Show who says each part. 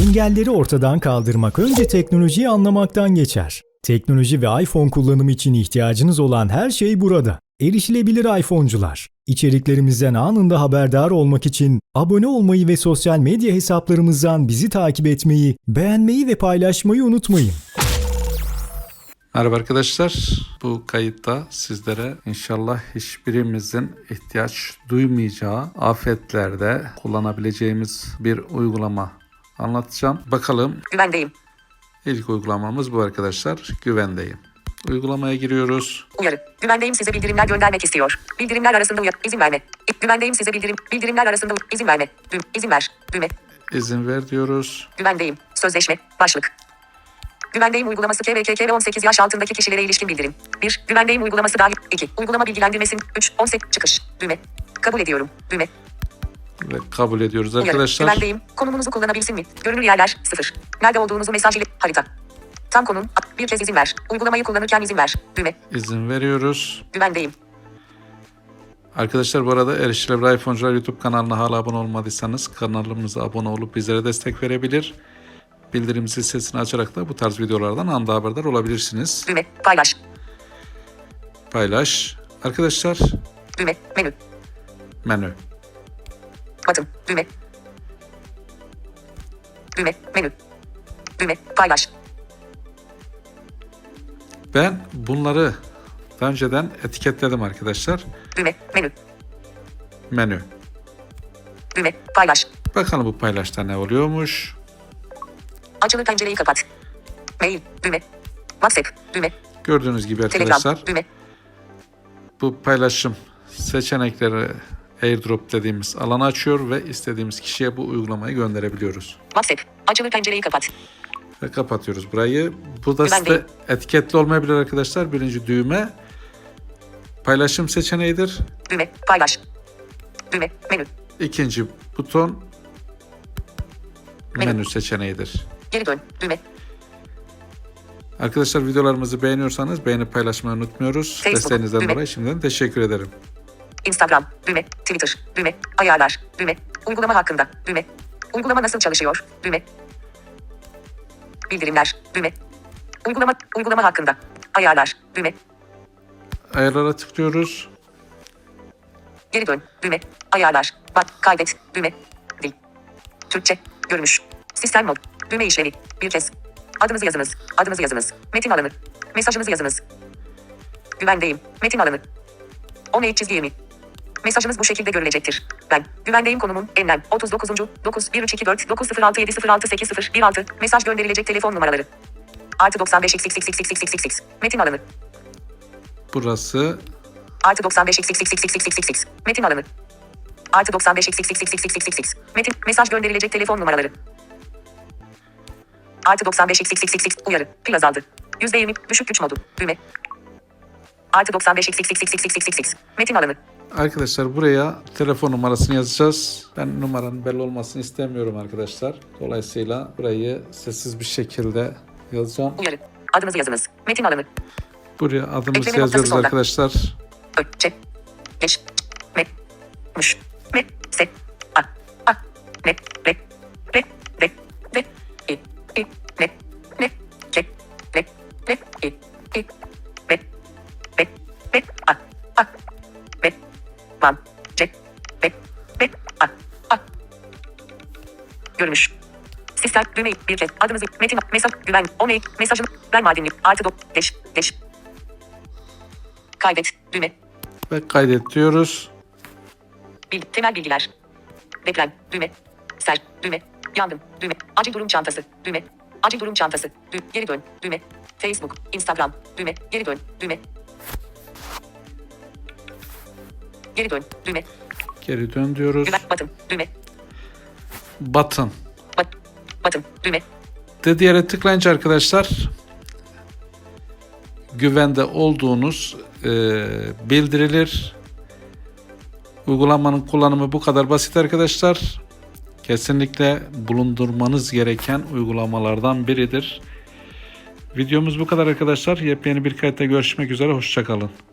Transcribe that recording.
Speaker 1: Engelleri ortadan kaldırmak önce teknolojiyi anlamaktan geçer. Teknoloji ve iPhone kullanımı için ihtiyacınız olan her şey burada. Erişilebilir iPhone'cular. İçeriklerimizden anında haberdar olmak için abone olmayı ve sosyal medya hesaplarımızdan bizi takip etmeyi, beğenmeyi ve paylaşmayı unutmayın.
Speaker 2: Merhaba arkadaşlar. Bu kayıtta sizlere inşallah hiçbirimizin ihtiyaç duymayacağı afetlerde kullanabileceğimiz bir uygulama anlatacağım. Bakalım.
Speaker 3: Güvendeyim.
Speaker 2: İlk uygulamamız bu arkadaşlar. Güvendeyim. Uygulamaya giriyoruz.
Speaker 3: Uyarı. Güvendeyim, size bildirimler göndermek istiyor. Bildirimler arasında izin verme. Güvendeyim, size bildirimler arasında izin verme. İzin ver. Düğme.
Speaker 2: İzin ver diyoruz.
Speaker 3: Güvendeyim. Sözleşme. Başlık. Güvendeyim uygulaması KVKK ve 18 yaş altındaki kişilere ilişkin bildirim. 1. Güvendeyim uygulaması dahil. 2. Uygulama bilgilendirmesin. 3. 18 çıkış. Düğme. Kabul ediyorum. Düğme.
Speaker 2: Ve kabul ediyoruz
Speaker 3: Uyarı.
Speaker 2: arkadaşlar.
Speaker 3: Güvendeyim. Konumunuzu kullanabilsin mi? Görünür yerler. 0. Nerede olduğunuzu mesaj ile. Harita. Tam konum. Bir kez izin ver. Uygulamayı kullanırken izin ver. Düğme.
Speaker 2: İzin veriyoruz.
Speaker 3: Güvendeyim.
Speaker 2: Arkadaşlar bu arada Erişilebilir iPhone'cular YouTube kanalına hala abone olmadıysanız kanalımıza abone olup bizlere destek verebilir. Bildirim zil sesini açarak da bu tarz videolardan anında haberdar olabilirsiniz.
Speaker 3: Düğme. Paylaş.
Speaker 2: Paylaş. Arkadaşlar
Speaker 3: Düğme. Menü.
Speaker 2: menü.
Speaker 3: Batın. Düğme. Düğme. Menü. Düğme. Paylaş.
Speaker 2: Ben bunları daha önceden etiketledim arkadaşlar.
Speaker 3: Düğme. Menü.
Speaker 2: Menü.
Speaker 3: Düğme. Paylaş.
Speaker 2: Bakalım bu paylaşta ne oluyormuş.
Speaker 3: Açılı pencereyi kapat. Mail. Düğme. WhatsApp. Düğme.
Speaker 2: Gördüğünüz gibi arkadaşlar
Speaker 3: Telegram. Düğme.
Speaker 2: bu paylaşım seçenekleri AirDrop dediğimiz alanı açıyor ve istediğimiz kişiye bu uygulamayı gönderebiliyoruz.
Speaker 3: WhatsApp. Açılı pencereyi kapat.
Speaker 2: Ve kapatıyoruz burayı. Bu da
Speaker 3: Güvendeyim.
Speaker 2: size etiketli olmayabilir arkadaşlar. Birinci düğme paylaşım seçeneğidir.
Speaker 3: Düğme. Paylaş. Düğme. Menü.
Speaker 2: İkinci buton
Speaker 3: Menü.
Speaker 2: menü seçeneğidir.
Speaker 3: Geri dön. Düğme.
Speaker 2: Arkadaşlar videolarımızı beğeniyorsanız beğenip paylaşmayı unutmuyoruz.
Speaker 3: Facebook,
Speaker 2: Desteğinizden
Speaker 3: düğme.
Speaker 2: dolayı şimdiden teşekkür ederim.
Speaker 3: Instagram. Düğme. Twitter. Düğme. Ayarlar. Düğme. Uygulama hakkında. Düğme. Uygulama nasıl çalışıyor? Düğme. Bildirimler. Düğme. Uygulama hakkında. Ayarlar. Düğme.
Speaker 2: Ayarlara tıklıyoruz.
Speaker 3: Geri dön. Düğme. Ayarlar. Bak. Kaydet. Düğme. Dil. Türkçe. Görünüş. Sistem mod. Düğme işlevi. Bir kez. Adınızı yazınız. Adınızı yazınız. Metin alanı. Mesajınızı yazınız. Güvendeyim. Metin alanı. 10 çizgi 20. Mesajınız bu şekilde görülecektir. Ben. Güvendeyim konumum. Enlem. 39. 9 1 3 2 4 9 0 6 7 0 6 8 0 1 6. Mesaj gönderilecek telefon numaraları. Artı 95 xxxxxxx. Metin alanı.
Speaker 2: Burası
Speaker 3: Artı 95 xxxxxx. Metin alanı. Artı 95 xxxxxx. Metin. Mesaj gönderilecek telefon numaraları. Artı 95 xxxxx. Uyarı. Pil azaldı. %20. Düşük güç modu. Düğme. Artı 95 xxxxx. Metin alanı.
Speaker 2: arkadaşlar buraya telefon numarasını yazacağız. Ben numaranın belli olmasını istemiyorum arkadaşlar. Dolayısıyla burayı sessiz bir şekilde yazacağım.
Speaker 3: Uyarı. Adınızı yazınız. Metin alanı.
Speaker 2: Buraya adımızı
Speaker 3: Ekleme noktası
Speaker 2: yazıyoruz
Speaker 3: sonda.
Speaker 2: arkadaşlar.
Speaker 3: Ö. Ç. Geç. Me. Muş. Me. Se. A. A. Ne. Re. Re. Re. Re. İ. İ. Ne. Ne. Ke. Ne. Ne. İ. İ. Ve. Ve. Ve. A. A. Ve. Van. Ce. Ve. Ve. A. A. Görünüş. Sistem düğmeyi bir kez adınızı metin mesaj güven 10 mesajın ben madeni artı deş deş kaydet düğme
Speaker 2: Ve kaydet diyoruz.
Speaker 3: temel bilgiler deprem düğme sel düğme yandım düğme acil durum çantası düğme acil durum çantası geri dön düğme Facebook Instagram düğme geri dön düğme geri dön düğme
Speaker 2: Geri dön diyoruz.
Speaker 3: güven batın düğme
Speaker 2: Button.
Speaker 3: batın düğme
Speaker 2: Dediği yere tıklayınca arkadaşlar güvende olduğunuz bildirilir. Uygulamanın kullanımı bu kadar basit arkadaşlar. Kesinlikle bulundurmanız gereken uygulamalardan biridir. Videomuz bu kadar arkadaşlar. Yepyeni bir kayıtta görüşmek üzere. Hoşça kalın.